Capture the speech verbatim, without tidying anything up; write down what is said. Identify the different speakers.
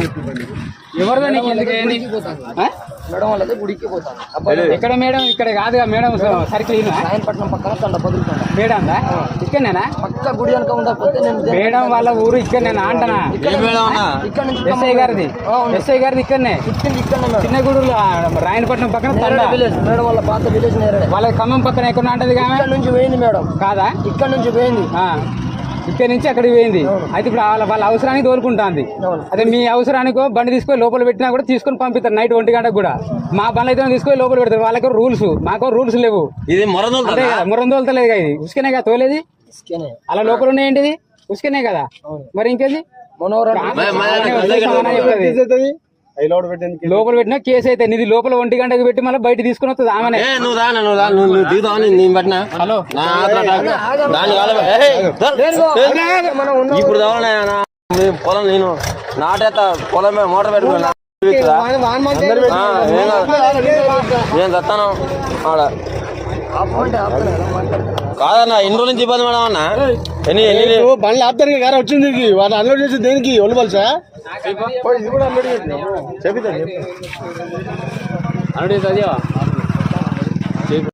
Speaker 1: ఎవరిదో నీకు ఎందుకు ఏంది?
Speaker 2: మేడం వాళ్ళది గుడికి పోతాను.
Speaker 1: ఎక్కడ మేడం? ఇక్కడ కాదుగా మేడం, సర్కిల్
Speaker 2: రాయనపట్నం పక్కన తండ బదులుతాను.
Speaker 1: మేడందా ఇక్కడనేనా?
Speaker 2: పక్క గుడి వెనక ఉండకపోతే నేను
Speaker 1: మేడం వాళ్ళ ఊరు ఇక్కడ నేను అంటనా?
Speaker 2: ఇక్కడ నుంచి
Speaker 1: ఎస్ఐ గారిది ఎస్ఐ గారిది ఇక్కడనే చిన్న గుడులు రాయనపట్నం పక్కన తండ
Speaker 2: విలేజ్. మేడం వాళ్ళ పాత విలేజ్ నేరడే.
Speaker 1: వాళ్ళ ఖమ్మం పక్కన ఎక్కడ అంటది
Speaker 2: ఇక్కడ నుంచి పోయింది మేడం.
Speaker 1: కాదా?
Speaker 2: ఇక్కడ నుంచి పోయింది.
Speaker 1: ఇక్కడ నుంచి అక్కడికి పోయింది. అయితే ఇప్పుడు వాళ్ళ వాళ్ళ అవసరానికి తోలుకుంటుంది. అదే మీ అవసరానికో బండి తీసుకొని లోపల పెట్టినా కూడా తీసుకొని పంపిస్తారు నైట్ ఒంటి గంటకు కూడా. మా బండ్లు అయితే తీసుకొని లోపల పెడతారు. వాళ్ళకి రూల్స్, మాకు రూల్స్ లేవు.
Speaker 3: ఇది మొరందోలుతా
Speaker 1: మురం తోలుతలేదు కదా, ఇది ఉసుకనే కదా తోలేది. అలా లోపల ఉన్నాయేంటిది? ఉసుకనే కదా, మరి ఇంకేది? లోపల పెట్టినా కేసు అయితే నిధి లోపల ఒంటి గంటకు పెట్టి మళ్ళీ బయట తీసుకుని వస్తుంది ఆమెనే. హలో
Speaker 3: ఇప్పుడు పొలం నేను నాటేస్తా పొలం మోటార్ పెట్టుకున్నా నేను చస్తాను ఆడ కాదన్నా. ఎన్ని రోజుల నుంచి ఇబ్బంది మేడం అన్న? ఎన్ని ఎన్ని
Speaker 4: బండ్లు ఆపుతారు గారు వచ్చింది. వాళ్ళు అన్లోడ్ చేసి దేనికి ఒళ్ళు పలుసా చెప్తా
Speaker 1: అన్నది